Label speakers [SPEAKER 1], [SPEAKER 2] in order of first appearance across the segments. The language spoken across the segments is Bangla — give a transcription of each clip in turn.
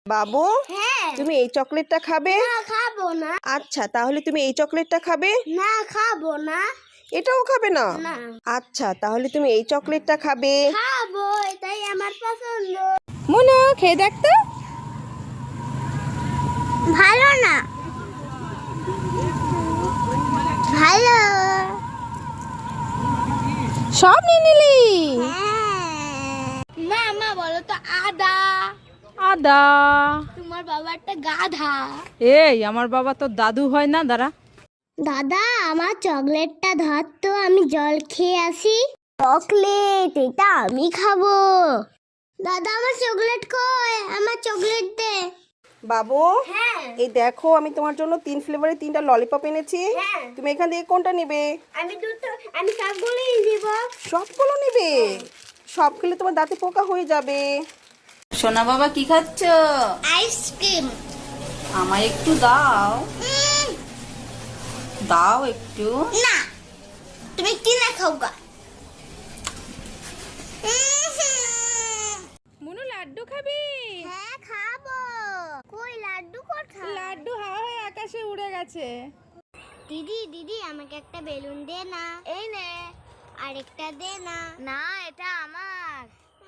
[SPEAKER 1] বাবু,
[SPEAKER 2] হ্যাঁ।
[SPEAKER 1] তুমি এই চকলেটটা খাবে?
[SPEAKER 2] না, খাবো না।
[SPEAKER 1] আচ্ছা, তাহলে তুমি এই চকলেটটা খাবে?
[SPEAKER 2] না, খাবো না।
[SPEAKER 1] এটাও খাবে না?
[SPEAKER 2] না।
[SPEAKER 1] আচ্ছা, তাহলে তুমি এই চকলেটটা খাবে?
[SPEAKER 2] খাবো, এটাই আমার পছন্দ।
[SPEAKER 1] মুনু, খেয়ে দেখ তো।
[SPEAKER 2] ভালো না। ভালো।
[SPEAKER 1] সব নিয়ে নিলি?
[SPEAKER 2] মা মা বলো তো আদা।
[SPEAKER 3] আদা।
[SPEAKER 2] তোমার বাবা একটা গাধা।
[SPEAKER 3] এই আমার বাবা তো দাদু হয় না, দাঁড়া।
[SPEAKER 2] দাদা, আমার চকলেটটা ধর তো, আমি জল খেয়ে আসি। চকলেট, এটা আমি খাবো। দাদা, আমার চকলেট কই? আমার চকলেট দে।
[SPEAKER 1] বাবু,
[SPEAKER 2] হ্যাঁ।
[SPEAKER 1] এই দেখো, আমি তোমার জন্য 3 ফ্লেভারের 3টা ললিপপ এনেছি।
[SPEAKER 2] হ্যাঁ।
[SPEAKER 1] তুমি এখান থেকে কোনটা নেবে?
[SPEAKER 2] আমি সবগুলোই নিব।
[SPEAKER 1] সবগুলো নেবে? সব খেলে তোমার দাঁতে পোকা হয়ে যাবে।
[SPEAKER 3] সোনা বাবা কি খাচ্ছ?
[SPEAKER 2] আইসক্রিম।
[SPEAKER 3] আমায় একটু দাও, দাও একটু।
[SPEAKER 2] না, তুমি কিনে খাও গা।
[SPEAKER 3] মুনু, লাড্ডু খাবি?
[SPEAKER 2] হ্যাঁ, খাবো। কই লাড্ডু কোথায়?
[SPEAKER 3] লাড্ডু হাওয়া হয়ে আকাশে উড়ে গেছে।
[SPEAKER 2] দিদি দিদি, আমাকে একটা বেলুন দে না। এই নে। আরেকটা দে না। না, এটা আমার।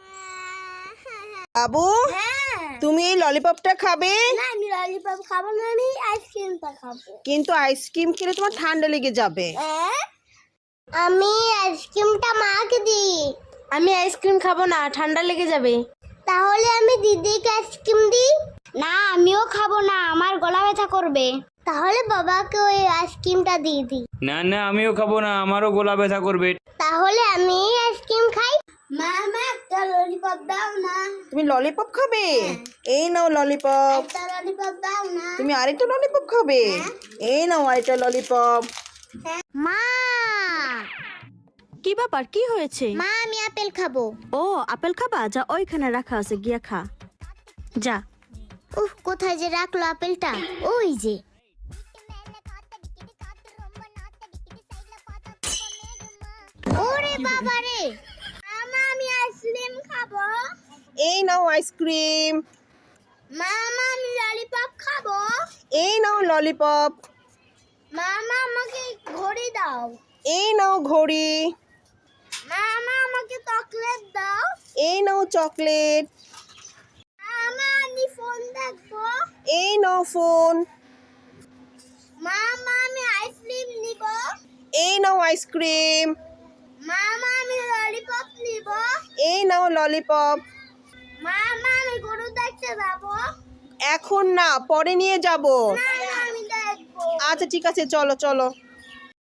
[SPEAKER 1] বাবু,
[SPEAKER 2] হ্যাঁ।
[SPEAKER 1] তুমি এই ললিপপটা খাবে?
[SPEAKER 2] না, আমি ললিপপ খাবো না, আমি আইসক্রিমটা খাবো।
[SPEAKER 1] কিন্তু আইসক্রিম খেলে তোমার ঠান্ডা লেগে যাবে।
[SPEAKER 2] আমি আইসক্রিমটা মাকে দিই।
[SPEAKER 4] আমি আইসক্রিম খাবো না, ঠান্ডা লেগে যাবে।
[SPEAKER 2] তাহলে আমি দিদিকে আইসক্রিম দিই। না, আমিও খাবো না, আমার গলা ব্যথা করবে। তাহলে বাবাকে ওই আইসক্রিমটা দিয়ে দিই।
[SPEAKER 5] না না, আমিও খাবো না, আমারও গলা ব্যথা করবে।
[SPEAKER 2] তাহলে আমি আইসক্রিম খাই। মা একটা ললিপপ দাও না।
[SPEAKER 1] তুমি ললিপপ খাবে? এই নাও ললিপপ।
[SPEAKER 2] একটা ললিপপ দাও না।
[SPEAKER 1] তুমি আরেকটা ললিপপ খাবে? এই নাও আরেকটা ললিপপ।
[SPEAKER 2] মা
[SPEAKER 4] কি ব্যাপার, কি হয়েছে?
[SPEAKER 2] মা, আমি আপেল খাবো।
[SPEAKER 4] ও, আপেল খাবা? যা, ওইখানে রাখা আছে, গিয়া খা। যা।
[SPEAKER 2] উফ, কোথায় যে রাখলো আপেলটা? ওই যে। ওরে বাবা রে। মামা, আমি আইসক্রিম খাবো।
[SPEAKER 1] এই নাও আইসক্রিম।
[SPEAKER 2] মামা, আমি ললিপপ খাবো।
[SPEAKER 1] এই নাও ললিপপ।
[SPEAKER 2] মামা, আমাকে ঘড়ি দাও।
[SPEAKER 1] এই নাও ঘড়ি।
[SPEAKER 2] মামা, আমাকে চকলেট দাও।
[SPEAKER 1] এই নাও চকলেট।
[SPEAKER 2] মামা, আমি ফোন দেখবো।
[SPEAKER 1] এই নাও ফোন।
[SPEAKER 2] মামা, আমি আইসক্রিম নিব।
[SPEAKER 1] এই নাও আইসক্রিম।
[SPEAKER 2] মামা, আমি ললিপপ নিব।
[SPEAKER 1] এই নাও ললিপপ।
[SPEAKER 2] মামা, আমি গরু দেখতে যাবো।
[SPEAKER 1] এখন না, পরে নিয়ে যাব।
[SPEAKER 2] না, না, আমি দেখবো।
[SPEAKER 1] আচ্ছা ঠিক আছে, চলো চলো।